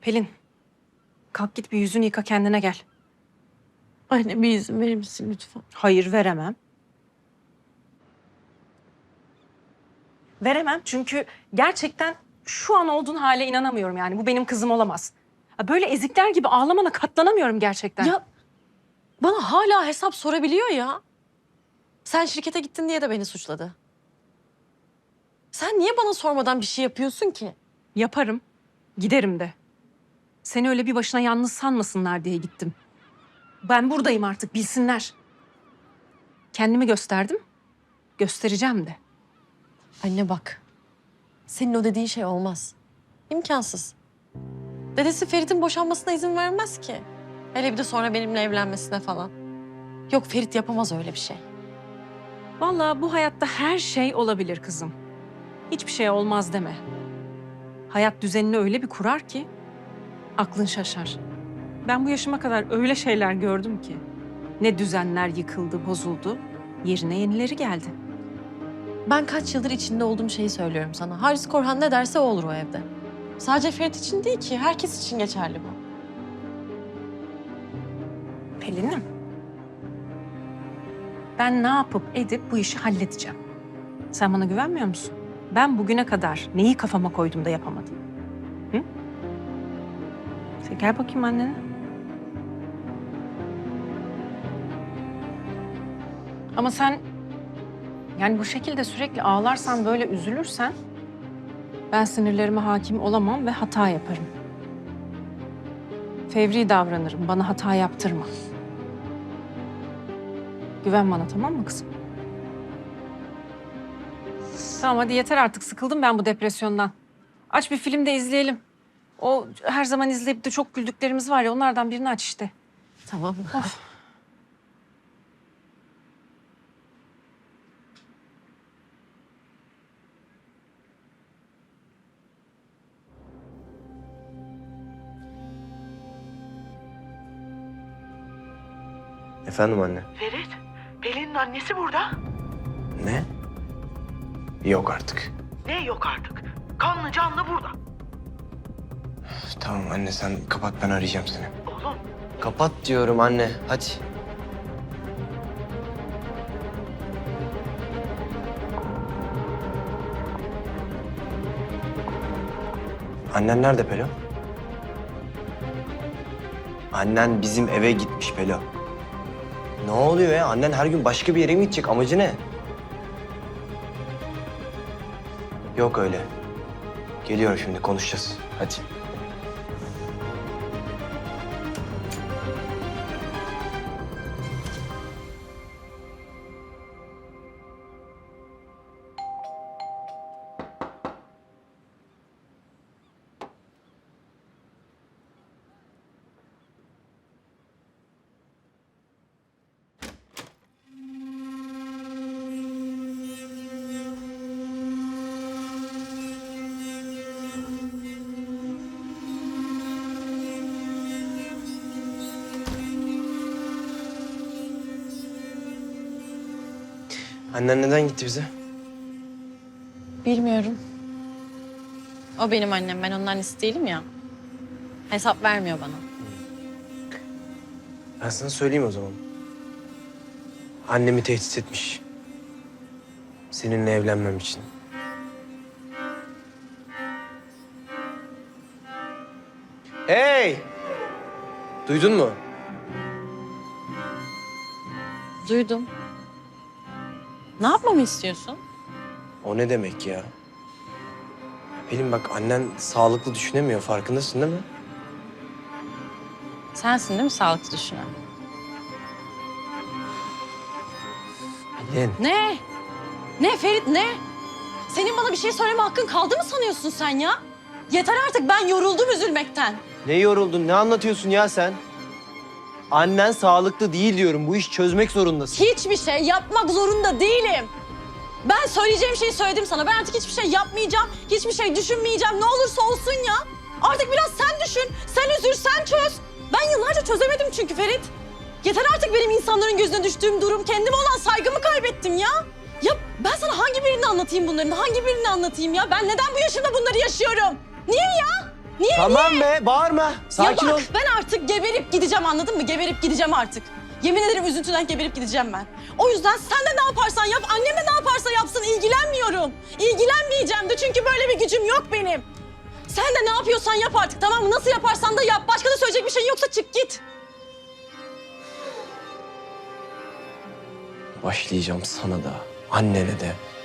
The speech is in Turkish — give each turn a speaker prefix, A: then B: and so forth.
A: Pelin, kalk git bir yüzünü yıka kendine gel.
B: Anne bir izin verir misin lütfen?
A: Hayır, veremem. Veremem çünkü gerçekten şu an olduğun hale inanamıyorum yani. Bu benim kızım olamaz. Böyle ezikler gibi ağlamana katlanamıyorum gerçekten.
B: Ya bana hala hesap sorabiliyor ya. Sen şirkete gittin diye de beni suçladı. Sen niye bana sormadan bir şey yapıyorsun ki?
A: Yaparım, giderim de. Seni öyle bir başına yalnız sanmasınlar diye gittim. Ben buradayım artık, bilsinler. Kendimi gösterdim, göstereceğim de.
B: Anne bak. Senin o dediğin şey olmaz. İmkansız. Dedesi Ferit'in boşanmasına izin vermez ki. Hele bir de sonra benimle evlenmesine falan. Yok Ferit yapamaz öyle bir şey.
A: Vallahi bu hayatta her şey olabilir kızım. Hiçbir şey olmaz deme. Hayat düzenini öyle bir kurar ki aklın şaşar. Ben bu yaşıma kadar öyle şeyler gördüm ki. Ne düzenler yıkıldı, bozuldu. Yerine yenileri geldi.
B: Ben kaç yıldır içinde olduğum şeyi söylüyorum sana. Haris Korhan ne derse o olur o evde. Sadece Ferit için değil ki, herkes için geçerli bu.
A: Pelin'im. Ben ne yapıp edip bu işi halledeceğim. Sen bana güvenmiyor musun? Ben bugüne kadar neyi kafama koydum da yapamadım? Hı? Sen gel bakayım annene. Ama sen yani bu şekilde sürekli ağlarsan, böyle üzülürsen ben sinirlerime hakim olamam ve hata yaparım. Fevri davranırım, bana hata yaptırma. Güven bana, tamam mı kızım? Tamam hadi yeter artık, sıkıldım ben bu depresyondan. Aç bir film de izleyelim. O her zaman izleyip de çok güldüklerimiz var ya, onlardan birini aç işte.
B: Tamam.
C: Efendim anne.
D: Ferit, Pelin'in annesi burada.
C: Ne? Yok artık.
D: Ne yok artık? Kanlı canlı burada.
C: Tamam anne sen kapat, ben arayacağım seni.
D: Oğlum,
C: Kapat diyorum anne, hadi. Annen nerede Pelo? Annen bizim eve gitmiş Pelo. Ne oluyor ya? Annen her gün başka bir yere mi gidecek? Amacı ne? Yok öyle. Geliyorum şimdi, konuşacağız. Hadi. Annen neden gitti bize?
B: Bilmiyorum. O benim annem, ben onun annesi değilim ya. Hesap vermiyor bana.
C: Ben sana söyleyeyim o zaman. Annemi tehdit etmiş. Seninle evlenmem için. Hey! Duydun mu?
B: Duydum. Ne yapmamı istiyorsun?
C: O ne demek ya? Pelin bak, annen sağlıklı düşünemiyor, farkındasın değil mi?
B: Sensin değil mi sağlıklı düşünen?
C: Pelin.
B: Ne? Ne Ferit ne? Senin bana bir şey söyleme hakkın kaldı mı sanıyorsun sen ya? Yeter artık, ben yoruldum üzülmekten.
C: Ne yoruldun, ne anlatıyorsun ya sen? Annen sağlıklı değil diyorum, bu işi çözmek zorundasın.
B: Hiçbir şey yapmak zorunda değilim. Ben söyleyeceğim şeyi söyledim sana. Ben artık hiçbir şey yapmayacağım. Hiçbir şey düşünmeyeceğim. Ne olursa olsun ya. Artık biraz sen düşün. Sen üzül, sen çöz. Ben yıllarca çözemedim çünkü Ferit. Yeter artık benim insanların gözüne düştüğüm durum. Kendime olan saygımı kaybettim ya. Ya ben sana hangi birini anlatayım bunların? Hangi birini anlatayım ya? Ben neden bu yaşımda bunları yaşıyorum? Niye ya? Niye?
C: Tamam be, bağırma. Sakin
B: ya
C: ol.
B: bak, ben artık geberip gideceğim, anladın mı? Geberip gideceğim artık. Yemin ederim üzüntüden geberip gideceğim ben. O yüzden sen de ne yaparsan yap, annem de ne yaparsa yapsın ilgilenmiyorum. İlgilenmeyeceğim de çünkü böyle bir gücüm yok benim. Sen de ne yapıyorsan yap artık, tamam mı? Nasıl yaparsan da yap. Başka da söyleyecek bir şeyin yoksa çık git.
C: Başlayacağım sana da, annene de.